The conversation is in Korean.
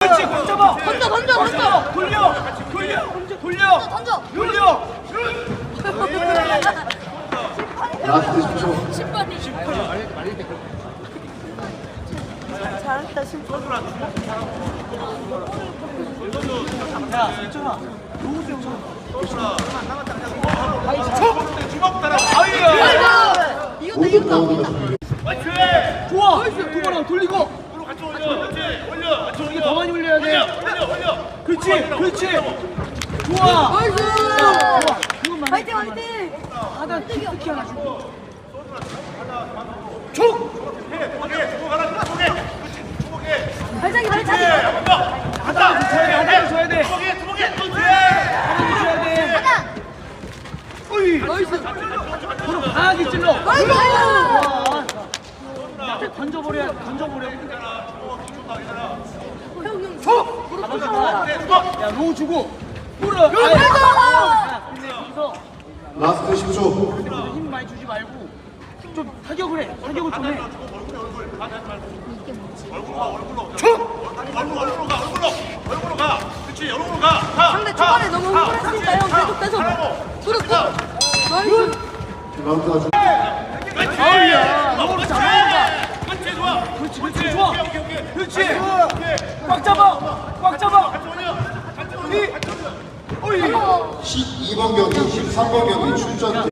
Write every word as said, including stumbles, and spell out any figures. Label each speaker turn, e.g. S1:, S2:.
S1: 그렇지, 공 잡아.
S2: 던져 던져 던져.
S1: 돌려, 돌려, 돌려,
S2: 던져.
S1: 돌려.
S3: 라스트 십 초.
S2: 신발이. 잘했다 신발.
S1: 야, 진짜나. 너무 세워. 주먹 따라. 아이야.
S2: 이겼다 이겼다.
S1: 좋아. 두번랑 돌리고. 이게 더 많이 올려야 돼. 그렇지, 그렇지. 좋아.
S2: 나이스.
S1: 좋아. 그것만 해.
S2: 화이팅 화이팅.
S1: 하다 특히 하나 주고. 촉.
S2: 발차기 발차기.
S1: 하다 줘야 돼. 하다 줘야 돼. 하다 줘야 돼.
S2: 하나.
S1: 어이.
S2: 나이스.
S1: 바로 강하게 찔러.
S2: 나이스.
S1: 와. 던져버려, 던져버려.
S2: 형형
S1: 촉.
S2: 잡아봐.
S1: 야, 로우 주고. 뿌려.
S2: 나이스.
S1: 야, 근데 여기서
S3: 라스트 십 초.
S1: 힘 많이 주지 말고 좀 타격을 해. 타격을 좀 해.
S2: 상대 초반에 너무 흥분했으니까 형 계속 빼서. 그렇고. 나이스.
S3: 라운드 아주.
S1: 아우야, 너무 잘한다. 그렇지, 그렇지, 좋아. 그렇지. 꽉 잡아, 꽉 잡아. 이, 어이.
S3: 십이 번 경기, 십삼 번 경기 출전.